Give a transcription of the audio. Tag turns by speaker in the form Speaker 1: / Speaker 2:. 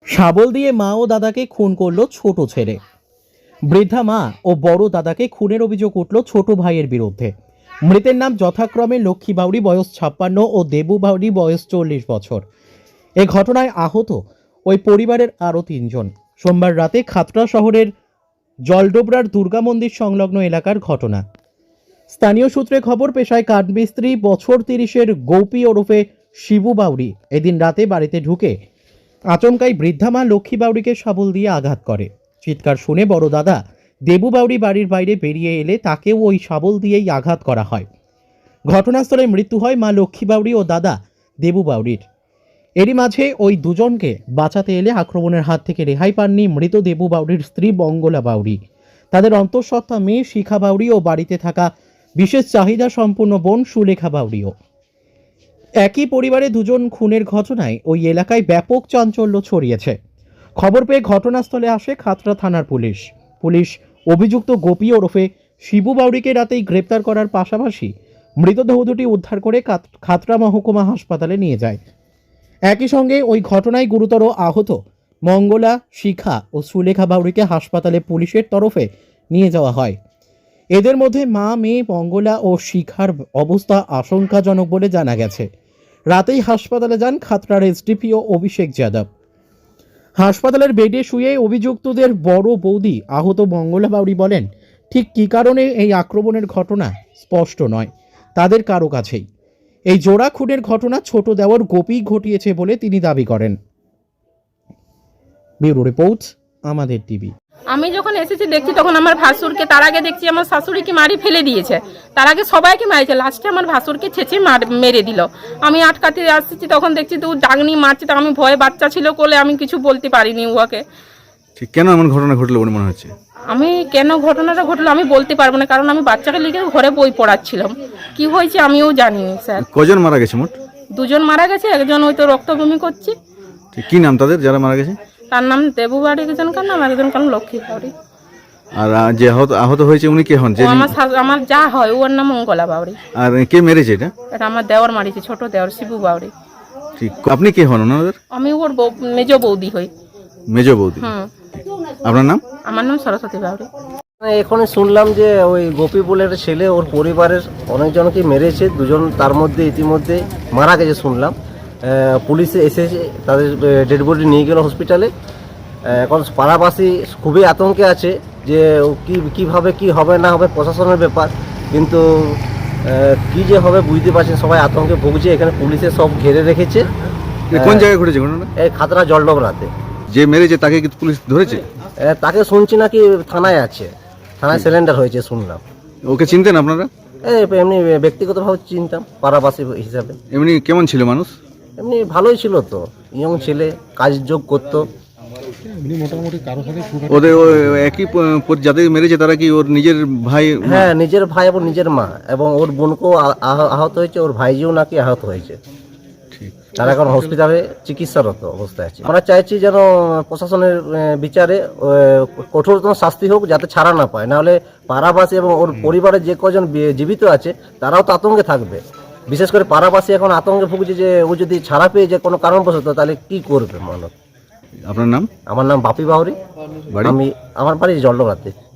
Speaker 1: শাবল দিয়ে মা ও দাদাকে খুন করল ছোট ছেলে। বৃদ্ধা মা ও বড় দাদাকে খুনের অভিযোগ উঠল ছোট ভাইয়ের বিরুদ্ধে। মৃতের নাম যথাক্রমে লক্ষ্মী বাউরি বয়স 56 ও দেবু বাউরি বয়স 40 বছর। এ ঘটনায় আহত ওই পরিবারের আরও 3 জন। সোমবার রাতে খাতড়া শহরের জলডোবরার দুর্গা মন্দির সংলগ্ন এলাকার ঘটনা। স্থানীয় সূত্রে খবর, পেশায় কাঠমিস্ত্রি, বছর 30-এর গৌপী ওরফে শিবু বাউরি এদিন রাতে বাড়িতে ঢুকে আচমকাই বৃদ্ধা মা লক্ষ্মী বাউরিকে শাবল দিয়ে আঘাত করে। চিৎকার শুনে বড় দাদা দেবু বাউরি বাড়ির বাইরে বেরিয়ে এলে তাকেও ওই শাবল দিয়েই আঘাত করা হয়। ঘটনাস্থলে মৃত্যু হয় মা লক্ষ্মী বাউরি ও দাদা দেবু বাউরির। এরই মাঝে ওই দুজনকে বাঁচাতে এলে আক্রমণের হাত থেকে রেহাই পাননি মৃত দেবু বাউরির স্ত্রী মঙ্গলা বাউরি, তাদের অন্তঃসত্ত্বা মেয়ে শিখা বাউরি ও বাড়িতে থাকা বিশেষ চাহিদা সম্পন্ন বোন সুলেখা বাউরিও। একই পরিবারে দুজন খুনের ঘটনায় ওই এলাকায় ব্যাপক চাঞ্চল্য ছড়িয়েছে। খবর পেয়ে ঘটনাস্থলে আসে খাতড়া থানার পুলিশ অভিযুক্ত গোপী ওরফে শিবু বাউরিকে রাতেই গ্রেপ্তার করার পাশাপাশি মৃতদেহ দুটি উদ্ধার করে খাতড়া মহকুমা হাসপাতালে নিয়ে যায়। একই সঙ্গে ওই ঘটনায় গুরুতর আহত মঙ্গলা, শিখা ও সুলেখা বাউরিকে হাসপাতালে পুলিশের তরফে নিয়ে যাওয়া হয়। এদের মধ্যে মা মেয়ে মঙ্গলা ও শিখার অবস্থা আশঙ্কাজনক বলে জানা গেছে। রাতেই হাসপাতালে যান খাতড়ার এসডিপিও অভিষেক যাদব। হাসপাতালের বেডে শুয়ে অভিযুক্তদের বড় বৌদি আহত মঙ্গলা বাউরি বলেন, ঠিক কী কারণে এই আক্রমণের ঘটনা স্পষ্ট নয় তাদের কারো কাছেই। এই জোড়া খুনের ঘটনা ছোট দেওর গোপী ঘটিয়েছে বলে তিনি দাবি করেন। ব্যুরো রিপোর্ট, আমাদের টিভি।
Speaker 2: আমি যখন এসেছি দেখছি তখন আমার ভাসুরকে, তার আগে দেখছি আমার শাশুড়িকে মারি ফেলে দিয়েছে, তার আগে সবাইকে মারিছে, লাস্টে আমার ভাসুরকে ছেঁচে মেরে দিল। আমি আটকাতে আসছি তখন দেখছি তো ডাগনি মারছে, তো আমি ভয়ে, বাচ্চা ছিল কোলে, আমি কিছু বলতে পারিনি উহাকে।
Speaker 3: ঠিক কেন এমন ঘটনা ঘটলো বলে মনে হচ্ছে?
Speaker 2: আমি কেন ঘটনাটা ঘটলো আমি বলতে পারবো না, কারণ আমি বাচ্চাকে লিখে ঘরে বই পড়াচ্ছিলাম। কি হয়েছে আমিও জানিনি স্যার।
Speaker 3: কজন মারা গেছে মোট?
Speaker 2: 2 জন মারা গেছে, একজন ওই তো রক্তবমি করছে।
Speaker 3: কি নাম তাদের যারা মারা গেছে?
Speaker 2: তার নাম দেবু বাড়ি, একজনকার নাম, একজনকার লক্ষ্মী বাড়ি।
Speaker 3: আর যে আহত হয়েছে উনি কে হন?
Speaker 2: আমার যা হয় ওর নাম মঙ্গলা বাউরি।
Speaker 3: আর কে মেরেছে এটা?
Speaker 2: এটা আমার দেওর মারিছে, ছোট দেওর শিবু বাউরি।
Speaker 3: ঠিক, আপনি কে হন ওনাদের?
Speaker 2: আমি ওর মেজ বৌদি হই।
Speaker 3: মেজ বৌদি। আপনার নাম?
Speaker 2: আমার নাম সরস্বতী বাউরি।
Speaker 4: এখন শুনলাম যে ওই গোপী বলের ছেলে ওর পরিবারের অনেকজনকে মেরেছে, 2 জন তার মধ্যে ইতিমধ্যে মারা গেছে শুনলাম। পুলিশে এসেছে, তাদের ডেড বডি নিয়ে গেল হসপিটালে। এখন পাড়াবাসী খুবই আতঙ্কে আছে যে কিভাবে কি হবে না হবে, প্রশাসনের ব্যাপার, কিন্তু কি যে হবে বুঝতে পারছেন, সবাই আতঙ্কে ভুগছে। এখানে পুলিশে সব ঘিরে রেখেছে।
Speaker 3: কোন জায়গায় ঘটেছে ঘটনা?
Speaker 4: এই খাতড়া জলডোবরাতে।
Speaker 3: যে মেরেছে তাকে কি পুলিশ ধরেছে?
Speaker 4: তাকে শুনছি নাকি থানায় আছে, থানায় সিলিন্ডার হয়েছে শুনলাম।
Speaker 3: ওকে চিনতেন আপনারা?
Speaker 4: এমনি ব্যক্তিগতভাবে চিনতাম, পাড়াবাসী হিসাবে।
Speaker 3: এমনি কেমন ছিল মানুষ?
Speaker 4: এমনি ভালোই ছিল, তো ইয়ং ছেলে, কাজ যোগ করতো।
Speaker 3: ওদের একই যাদের মেরেছে তারা কি ওর নিজের ভাই?
Speaker 4: হ্যাঁ, নিজের ভাই এবং নিজের মা, এবং ওর বোনকেও আহত হয়েছে, ওর ভাইজিও নাকি আহত হয়েছে। তারা এখন হসপিটালে চিকিৎসারত অবস্থায় আছে। আমরা চাইছি যেন প্রশাসনের বিচারে কঠোরতম শাস্তি হোক, যাতে ছাড়া না পায়, নাহলে পাড়াবাসী এবং ওর পরিবারের যে কজন জীবিত আছে তারাও তো আতঙ্কে থাকবে। বিশেষ করে পাড়াবাসী এখন আতঙ্কে ভুগছে যে ও যদি ছাড়া পেয়ে যে কোনো কারণবশত, তাহলে কি করবে মানব।
Speaker 3: আপনার নাম?
Speaker 4: আমার নাম বাপি বাউরি। আমার বাড়ি জলডোবরাতে।